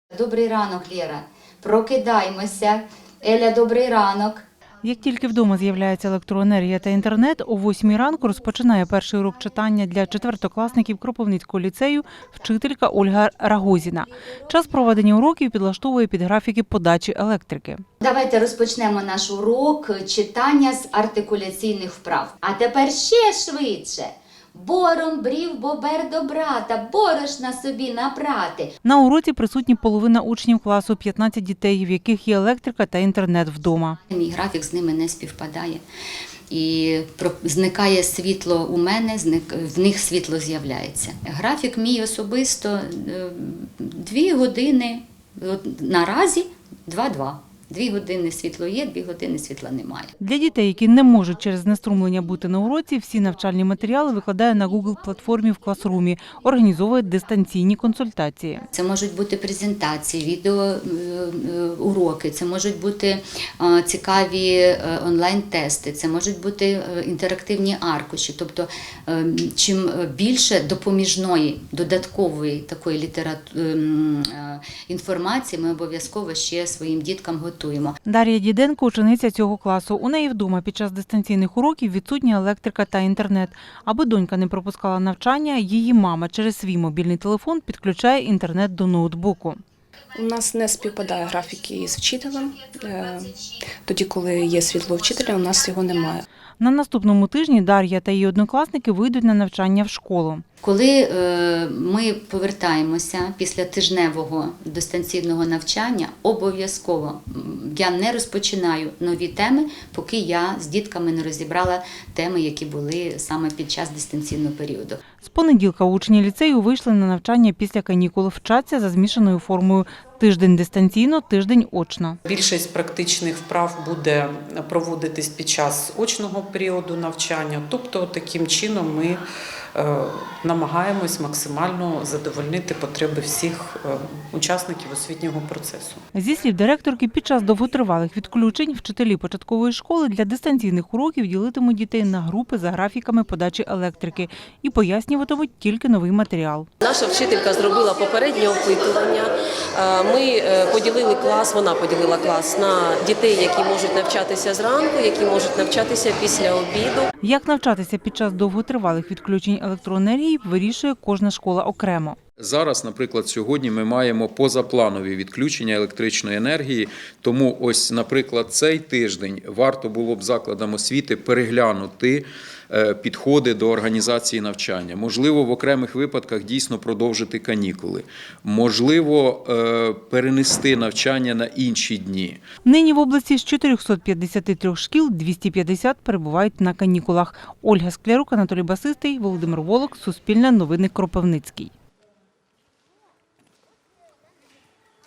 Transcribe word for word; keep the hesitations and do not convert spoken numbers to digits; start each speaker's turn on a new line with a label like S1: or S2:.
S1: Добрий ранок, Лєра. Прокидаймося. Еля, добрий ранок.
S2: Як тільки вдома з'являється електроенергія та інтернет, о восьмій ранку розпочинає перший урок читання для четвертокласників Кропивницького ліцею вчителька Ольга Рагозіна. Час проведення уроків підлаштовує під графіки подачі електрики.
S1: Давайте розпочнемо наш урок читання з артикуляційних вправ. А тепер ще швидше. Бором брів бобер до брата, борошна собі напрати.
S2: На уроці присутні половина учнів класу, п'ятнадцять дітей, в яких є електрика та інтернет вдома.
S1: Мій графік з ними не співпадає. І зникає світло у мене, в них світло з'являється. Графік мій особисто дві години, наразі два-два. Дві години світло є, дві години світла немає.
S2: Для дітей, які не можуть через знеструмлення бути на уроці, всі навчальні матеріали викладає на Google-платформі в класрумі, організовує дистанційні консультації.
S1: Це можуть бути презентації, відеоуроки, це можуть бути цікаві онлайн-тести, це можуть бути інтерактивні аркуші. Тобто, чим більше допоміжної, додаткової такої літератури, інформації ми обов'язково ще своїм діткам готуємо.
S2: Дар'я Діденко – учениця цього класу. У неї вдома під час дистанційних уроків відсутня електрика та інтернет. Аби донька не пропускала навчання, її мама через свій мобільний телефон підключає інтернет до ноутбуку.
S3: У нас не співпадає графіки з вчителем. Тоді, коли є світло вчителя, у нас його немає.
S2: На наступному тижні Дар'я та її однокласники вийдуть на навчання в школу.
S1: Коли ми повертаємося після тижневого дистанційного навчання, обов'язково я не розпочинаю нові теми, поки я з дітками не розібрала теми, які були саме під час дистанційного періоду.
S2: З понеділка учні ліцею вийшли на навчання після канікул, вчаться за змішаною формою тиждень дистанційно, тиждень очно.
S4: Більшість практичних вправ буде проводитись під час очного періоду навчання, тобто таким чином ми намагаємось максимально задовольнити потреби всіх учасників освітнього процесу.
S2: Зі слів директорки, під час довготривалих відключень вчителі початкової школи для дистанційних уроків ділитимуть дітей на групи за графіками подачі електрики і пояснюватимуть тільки новий матеріал.
S5: Наша вчителька зробила попереднє опитування. Ми поділили клас, вона поділила клас на дітей, які можуть навчатися зранку, які можуть навчатися після обіду.
S2: Як навчатися під час довготривалих відключень електроенергії, вирішує кожна школа окремо.
S6: Зараз, наприклад, сьогодні ми маємо позапланові відключення електричної енергії, тому ось, наприклад, цей тиждень варто було б закладам освіти переглянути підходи до організації навчання. Можливо, в окремих випадках дійсно продовжити канікули. Можливо, перенести навчання на інші дні.
S2: Нині в області з чотирьохсот п'ятдесяти трьох шкіл двісті п'ятдесят перебувають на канікулах. Ольга Склярук, Анатолій Басистий, Володимир Волок, Суспільне новини, Кропивницький.